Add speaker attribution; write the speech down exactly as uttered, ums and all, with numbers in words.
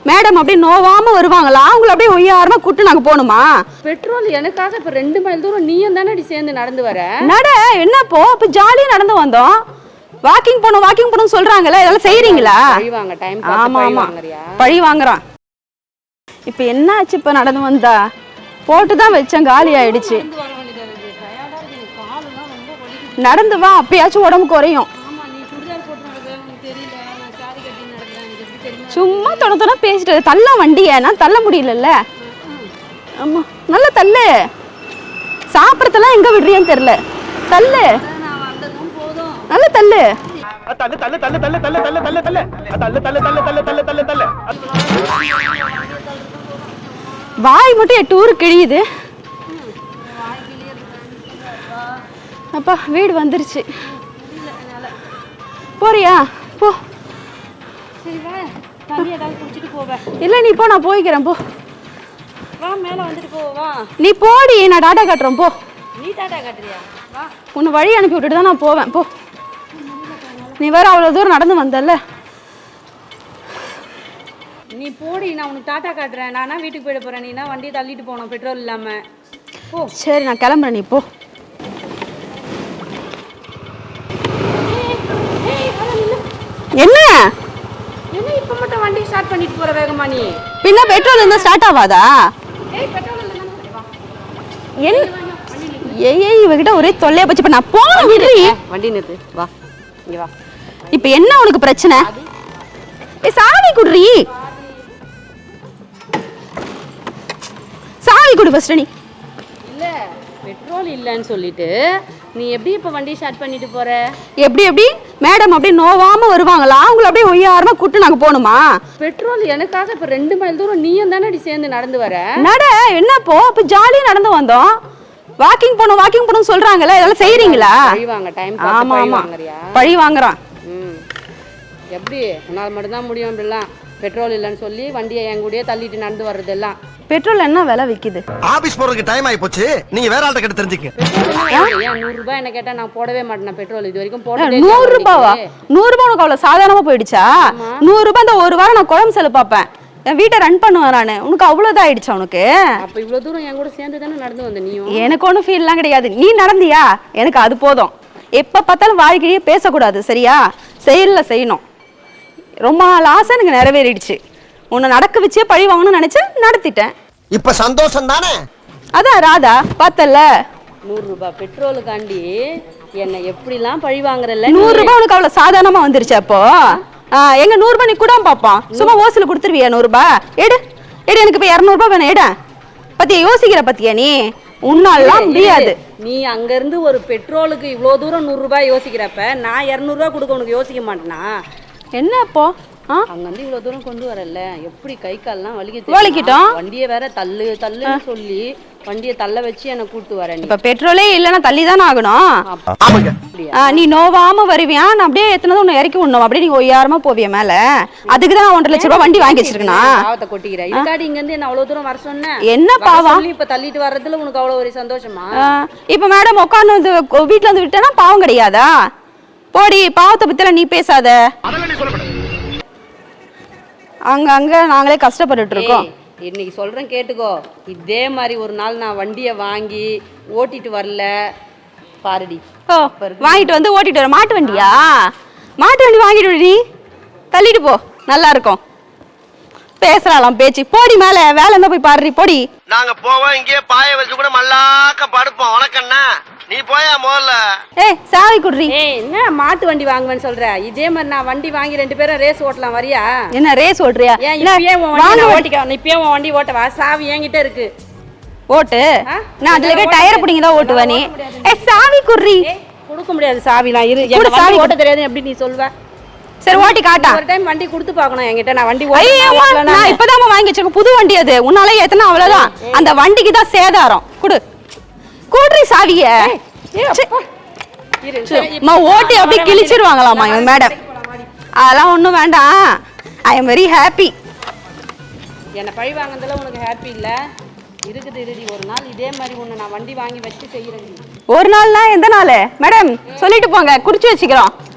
Speaker 1: Madam அப்படியே நோவாம வருவாங்களா? அவங்கள அப்படியே ஒய்யாரமா கூட்டு நாங்க போகணுமா?
Speaker 2: பெட்ரோல் எனக்காக இப்ப ரெண்டு மைல் தூரம் நீயும் தானே சேர்ந்து நடந்து வர.
Speaker 1: நட என்னப்போ இப்ப ஜாலியா நடந்து வந்தோம். வாக்கிங் போகணும் வாக்கிங் போகணும்னு சொல்றாங்கல்ல, இதெல்லாம் செய்யறீங்களா?
Speaker 2: பழி வாங்க டைம்
Speaker 1: ஆமா ஆமா பழி வாங்குறான். இப்ப என்ன ஆச்சு? இப்ப நடந்து வந்தா போட்டுதான் வச்சேன், காலி ஆயிடுச்சு. நடந்து வா, அப்பயாச்சும் உடம்பு குறையும். சும்மா தொட தொட பேசிட்டு தள்ள வண்டிய நான் தள்ள முடியலல்ல. ஆமா நல்ல தள்ளு. சாப்பிடறதெல்லாம் எங்க விடுறியான்னு தெரியல. தள்ளு நல்ல தள்ளு.
Speaker 3: தள்ளு தள்ளு தள்ளு தள்ளு தள்ளு தள்ளு தள்ளு தள்ளு தள்ளு தள்ளு தள்ளு தள்ளு தள்ளு தள்ளு தள்ளு.
Speaker 1: வாய் மட்டும் எட்டு ஊரு கிழியுது. அப்பா வீடு வந்துருச்சு. போறியா? போ.
Speaker 2: சரி வா, தண்ணி ஏதாவது குடிச்சிட்டு போவே.
Speaker 1: இல்ல நீ போ, நான் போய்க்கிறேன். போ
Speaker 2: வா, மேல வந்துட்டு போ. வா
Speaker 1: நீ போடி, நான் டாடா காட்டுறேன். போ.
Speaker 2: நீ டாடா காட்டுறியா? வா,
Speaker 1: உன்னை வழி அனுப்பி விட்டுட்டு தான் நான் போவேன். போ. நீ வேற அவ்வளவு தூரம் நடந்து வந்தல்ல.
Speaker 2: நீ போடி, நான் உனக்கு டாடா காட்டுறேன். நானா வீட்டுக்கு போயிட போறேன், நீனா வண்டியை தள்ளிட்டு போகணும் பெட்ரோல் இல்லாம. போ.
Speaker 1: சரி நான் கிளம்புறேன், நீ போ. என்ன
Speaker 2: என்ன இப்ப மட்டும் வண்டி ஸ்டார்ட் பண்ணிட்டு போற வேகமா? நீ
Speaker 1: பின்ன பெட்ரோல் இருந்தா ஸ்டார்ட் ஆகாதா?
Speaker 2: ஏய் பெட்ரோல் இல்ல நம்ம வா.
Speaker 1: என்ன ஏய் ஏய் இவகிட்ட ஒரே தொல்லையா போச்சு. இப்ப நான் போன விடுறி.
Speaker 2: வண்டி நிறுத்து. வா இங்க வா.
Speaker 1: இப்ப என்ன உனக்கு பிரச்சனை? ஏய் சாவி குடுறி. சாவி குடு ஃபர்ஸ்ட். நீ
Speaker 2: இல்ல பெட்ரோல் இல்லன்னு சொல்லிட்டு நீ எப்படி இப்ப வண்டி ஸ்டார்ட் பண்ணிட்டு போற?
Speaker 1: எப்படி எப்படி மேடம் அப்படியே நோவாம வருவாங்களா? அவங்கள அப்படியே ஒய்யாரமா கூட்டு நாங்க போகணுமா?
Speaker 2: பெட்ரோல் எனக்காக இப்ப ரெண்டு மைல் தூரம் நீயும் தானே சேர்ந்து நடந்து வர.
Speaker 1: நட என்னப்போ இப்ப ஜாலியா நடந்து வந்தோம். வாக்கிங் போகணும் வாக்கிங் போகணும்னு சொல்றாங்கல்ல, இதெல்லாம் செய்யறீங்களா?
Speaker 2: பழி வாங்க டைம்
Speaker 1: ஆமா ஆமா
Speaker 2: வாங்குறியா?
Speaker 1: பழி வாங்குறான்.
Speaker 2: ம் எப்படி உன்னால மட்டும் தான் முடியும் இப்படிலாம் பெட்ரோல் இல்லைன்னு சொல்லி வண்டியை என் கூடயே தள்ளிட்டு நடந்து வர்றதெல்லாம்.
Speaker 1: பெட்ரோல் என்ன விலை விக்குது?
Speaker 3: ஆபீஸ் போறதுக்கு டைம் ஆயி போச்சு, நீங்க வேற ஆள்கிட்ட கேட்டு தெரிஞ்சுக்க.
Speaker 2: ஏன் நூறு ரூபாய் என்ன கேட்டா நான் போடவே மாட்டேன் பெட்ரோல். இது வரைக்கும் போட்டதே
Speaker 1: நூறு ரூபாவா? நூறு ரூபாய் உனக்கு அவ்வளவு சாதாரணமா போயிடுச்சா? நூறு ரூபாய் இந்த ஒரு வாரம் நான் குழம்பு செலவு பார்ப்பேன், என் வீட்டை ரன் பண்ணுவேன் நானு. உனக்கு அவ்வளவுதான் ஆயிடுச்சா உனக்கு?
Speaker 2: அப்ப இவ்வளவு தூரம் என் கூட சேர்ந்து தானே நடந்து வந்த நீயும்.
Speaker 1: எனக்கு ஒன்றும் ஃபீல்லாம் கிடையாது. நீ நடந்தியா? எனக்கு அது போதும். எப்ப பார்த்தாலும் வாழ்க்கையே பேசக்கூடாது சரியா? செயல்ல செய்யணும். ரொம்ப நாள் ஆசை எனக்கு நிறைவேறிடுச்சு. உன்னை நடக்க வச்சே பழி வாங்கணும்னு நினைச்சேன், நடத்திட்டேன்.
Speaker 3: இப்ப சந்தோஷம் தானே?
Speaker 1: அதான் ராதா பார்த்தல.
Speaker 2: நூறு ரூபாய் பெட்ரோலுக்காண்டி என்னை எப்படிலாம் பழி வாங்குறல்ல.
Speaker 1: நூறு ரூபாய் உனக்கு அவ்வளவு சாதாரணமா வந்துருச்சு. அப்போ எங்க நூறு ரூபாய் நீ கூட பாப்பான். சும்மா ஓசில கொடுத்துருவியா? நூறு ரூபாய் எடு எடு. எனக்கு இப்ப இருநூறு ரூபாய் வேணும். எட பத்தியா யோசிக்கிற பத்தியா? நீ உன்னாலாம் முடியாது.
Speaker 2: நீ அங்க இருந்து ஒரு பெட்ரோலுக்கு இவ்வளவு தூரம் நூறு ரூபாய் யோசிக்கிறப்ப நான் இருநூறு ரூபாய் கொடுக்க உனக்கு யோசிக்க மாட்டேனா?
Speaker 1: என்ன அப்போ
Speaker 2: அங்க வந்து இவ்வளவு தூரம் கொண்டு வரல, எப்படி கை கால்லாம் வலிக்கிட்டு
Speaker 1: வலிக்கிட்டோம்.
Speaker 2: வண்டியை வேற தள்ளு தள்ளுன்னு சொல்லி வண்டியை தள்ள வச்சு என்ன கூட்டு வரேன்.
Speaker 1: இப்ப பெட்ரோலே இல்லைன்னா தள்ளி தானே ஆகணும். நீ நோவாம வருவியா? நான் அப்படியே எத்தனை ஒண்ணு இறக்கி விடணும். அப்படியே நீங்க ஒய்யாரமா போவிய மேல. அதுக்குதான் ஒன்றரை லட்சம் ரூபாய் வண்டி வாங்கி வச்சிருக்கா.
Speaker 2: பாவத்தை கொட்டிக்கிறேன். இதுக்காடி இங்க இருந்து என்ன அவ்வளவு தூரம் வர சொன்ன?
Speaker 1: என்ன பாவம்?
Speaker 2: இப்ப தள்ளிட்டு வர்றதுல உனக்கு அவ்வளவு ஒரு சந்தோஷமா?
Speaker 1: இப்ப மேடம் உட்காந்து வந்து வீட்டுல வந்து விட்டேன்னா பாவம் கிடையாதா? போடி, பாவத்தை பத்தில நீ பேசாத. அங்க அங்க நாங்களே கஷ்டப்பட்டுட்டு இருக்கோம்.
Speaker 2: இன்னைக்கு சொல்றேன் கேட்டுக்கோ. இதே மாதிரி ஒரு நாள் நான் வண்டியை வாங்கி ஓட்டிட்டு வரல பாருடி.
Speaker 1: ஓ வாங்கிட்டு வந்து ஓட்டிட்டு வர மாட்டு வண்டியா? மாட்டு வண்டி வாங்கிட்டு நீ தள்ளிட்டு போ, நல்லா இருக்கும். பேசுறாளாம் பேச்சு. போடி மேல, வேலை இருந்தா போய் பாருடி. போடி.
Speaker 3: நாங்க போவோம், இங்கே பாய வச்சு கூட மல்லாக்க படுப்போம். உனக்கண்ணா நீ போயா முதல்ல.
Speaker 1: ஏய் சாவி குடுறி.
Speaker 2: ஏய் என்ன மாட்டு வண்டி வாங்குவேன்னு சொல்ற? இதே மாதிரி நான் வண்டி வாங்கி ரெண்டு பேரும் ரேஸ் ஓட்டலாம், வரியா?
Speaker 1: என்ன ரேஸ் ஓட்டுறியா?
Speaker 2: ஏன் இப்பயே உன் வண்டி நான் ஓட்டிக்க. நீ இப்பயே உன் வண்டி ஓட்டவா? சாவி என்கிட்ட இருக்கு.
Speaker 1: ஓட்டு. நான் அதுல போய் டயர் புடிங்க தான் ஓட்டுவ நீ. ஏய் சாவி குடுறி.
Speaker 2: கொடுக்க முடியாது சாவிலாம். இரு, எனக்கு வண்டி ஓட்ட தெரியாது எப்படி நீ சொல்வ?
Speaker 1: சரி ஓட்டி காட்டா.
Speaker 2: ஒரு டைம் வண்டி கொடுத்து பார்க்கணும் என்கிட்ட. நான் வண்டி
Speaker 1: ஓட்டல. நான் இப்பதான் வாங்கி வச்சிருக்கேன் புது வண்டி. அது உன்னால ஏத்தனா அவ்வளவுதான். அந்த வண்டிக்கு தான் சேதாரம். குடு குடுறி சாவிய. ஓட்டி அப்படியே கிழிச்சிருவாங்களாமா இவங்க மேடம். அதெல்லாம் ஒண்ணும் வேண்டாம். I am very happy.
Speaker 2: என்ன பழி வாங்குறதுல உனக்கு ஹாப்பி இல்ல? இருக்குது இருடி, ஒரு நாள் இதே மாதிரி உன்னை நான் வண்டி வாங்கி வச்சு செய்யறேன்.
Speaker 1: ஒரு நாள்னா எந்த நாள் மேடம்? சொல்லிட்டு போங்க, குடிச்சு வச்சுக்கிறோம்.